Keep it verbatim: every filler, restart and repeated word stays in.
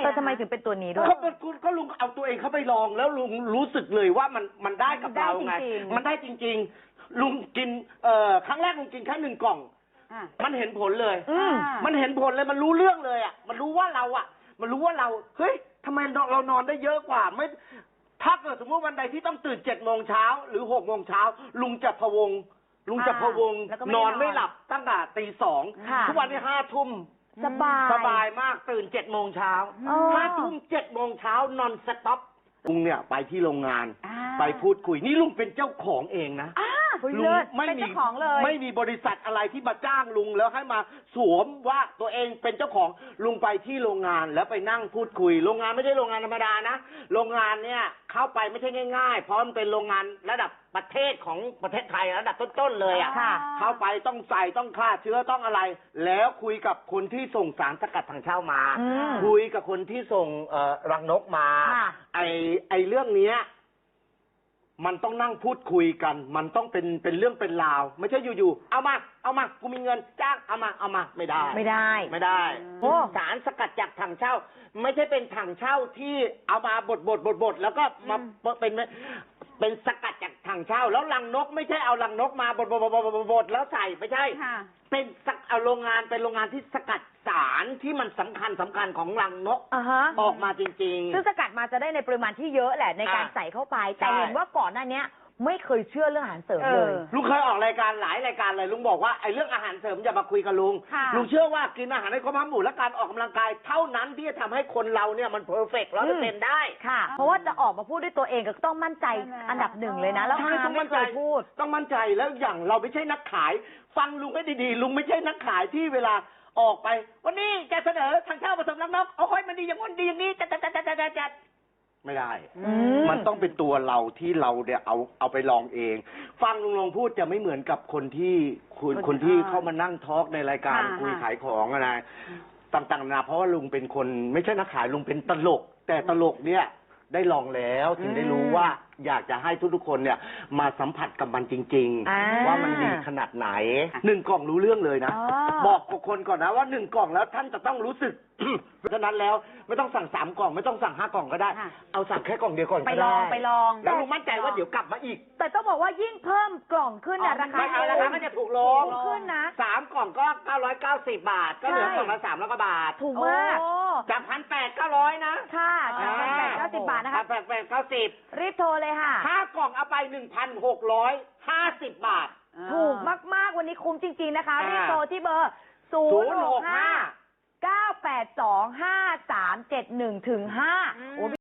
เออทำไมถึงเป็นตัวนี้ด้วยเขาเป็นคุณก็ลุงเอาตัวเองเข้าไปลองแล้วลุงรู้สึกเลยว่ามันมันได้กับเราไงมันได้จริงๆลุงกินเอ่อครั้งแรกลุงกินแค่หนึ่งกล่องมันเห็นผลเลยมันเห็นผลเลยมันรู้เรื่องเลยอ่ะมันรู้ว่าเราอ่ะมันรู้ว่าเราเฮ้ยทำไมเรานอนได้เยอะกว่าไม่ถ้าเกิดสมมติวันใดที่ต้องตื่นเจ็ดโมงเช้าหรือหกโมงเช้าลุงจะพะวงลุงจะพะวงนอนไม่หลับตั้งแต่ตีสองทุกวันนี้ห้าทุ่มสบายสบายมากตื่นเจ็ดโมงเช้าห้าทุ่มเจ็ดโมงเช้านอนสต็อปลุงเนี่ยไปที่โรงงานไปพูดคุยนี่ลุงเป็นเจ้าของเองนะลุงไม่มีไม่มีบริษัทอะไรที่มาจ้างลุงแล้วให้มาสวมว่าตัวเองเป็นเจ้าของลุงไปที่โรงงานแล้วไปนั่งพูดคุยโรงงานไม่ใช่โรงงานธรรมดานะโรงงานเนี่ยเข้าไปไม่ใช่ง่ายๆเพราะมันเป็นโรงงานระดับประเทศของประเทศไทยระดับต้นๆเลยอ่ะเข้าไปต้องใส่ต้องฆ่าเชื้อต้องอะไรแล้วคุยกับคนที่ส่งสารสกัดถังเช่ามาคุยกับคนที่ส่งเอ่อรังนกมาไอไอเรื่องเนี้ยมันต้องนั่งพูดคุยกันมันต้องเป็นเป็นเรื่องเป็นราวไม่ใช่อยู่ๆเอามาเอามากูมีเงินจ้างเอามาเอามาไม่ได้ไม่ได้ไม่ได้สารสกัดจากถังเช่าไม่ใช่เป็นถังเช่าที่เอามาบดบดบดบดแล้วก็มาเป็นเป็นสกัดจากถังเช่าแล้วรังนกไม่ใช่เอารังนกมาบดบดบดบดบดแล้วใส่ไม่ใช่เป็นเอาโรงงานเป็นโรงงานที่สกัดสารที่มันสำคัญสำคัญของรังนกออกมาจริงๆซึ่งสกัดมาจะได้ในปริมาณที่เยอะแหละในการใส่เข้าไปแต่เห็นว่าก่อนหน้านี้ไม่เคยเชื่อเรื่องอาหารเสริมเลยลุงเคยออกรายการหลายรายการเลยลุงบอกว่าไอ้เรื่องอาหารเสริมอย่ามาคุยกับลุงลุงเชื่อว่ากินอาหารให้ครบห้าหมู่และการออกกำลังกายเท่านั้นที่จะทำให้คนเราเนี่ยมันเพอร์เฟกต์ร้อยเปอร์เซ็นต์ได้ค่ะเพราะว่าจะออกมาพูดด้วยตัวเองก็ต้องมั่นใจอันดับหนึ่งเลยนะแล้วต้องมั่นใจพูดต้องมั่นใจแล้วอย่างเราไม่ใช่นักขายฟังลุงให้ดีๆลุงไม่ใช่นักขายที่เวลาออกไปวันนี้แกเสนอทางเช่าผสมรังนกเอาค่อยมันดีอย่างนู้นดีอย่างนี้จัดจัดจัดจัดจัดจัดไม่ได้มันต้องเป็นตัวเราที่เราเนี่ยเอาเอาไปลองเองฟังลุงลงพูดจะไม่เหมือนกับคนที่คนคนที่เข้ามานั่งทอล์กในรายการคุยขายของอะไรต่างๆนะเพราะว่าลุงเป็นคนไม่ใช่นักขายลุงเป็นตลกแต่ตลกเนี่ยได้ลองแล้วถึงได้รู้ว่าอยากจะให้ทุกๆคนเนี่ยมาสัมผัสกับมันจริงๆว่ามันดีขนาดไหนหนึ่งกล่องรู้เรื่องเลยนะบอกกับคนก่อนนะว่าหนึ่งกล่องแล้วท่านจะต้องรู้สึกเพราะฉะนั้นแล้วไม่ต้องสั่งสามกล่องไม่ต้องสั่งห้ากล่องก็ได้เอาสั่งแค่กล่องเดียวก่อนไปลองไปลองแล้วลุงมั่นใจว่าเดี๋ยวกลับมาอีกแต่ต้องบอกว่ายิ่งเพิ่มกล่องขึ้นนะราคาราคาก็จะถูกลงขึ้นนะสามกล่องก็เก้าร้อยเก้าสิบบาทก็เหลือกล่องละสามร้อยกว่าบาทถูกมากจากพันแปดเก้าร้อยนะค่ะจากพันแปดเก้าสิบบาทนะคะแปดแปดเก้าสิบรีบโทรเลยค่ะห้ากล่องเอาไปหนึ่งพันหกร้อยห้าสิบบาทถูกมากๆวันนี้คุ้มจริงๆนะคะรีบโทรที่เบอร์ศูนย์หกห้าเก้าแปดสองห้าสามเจ็ดหนึ่งถึงห้า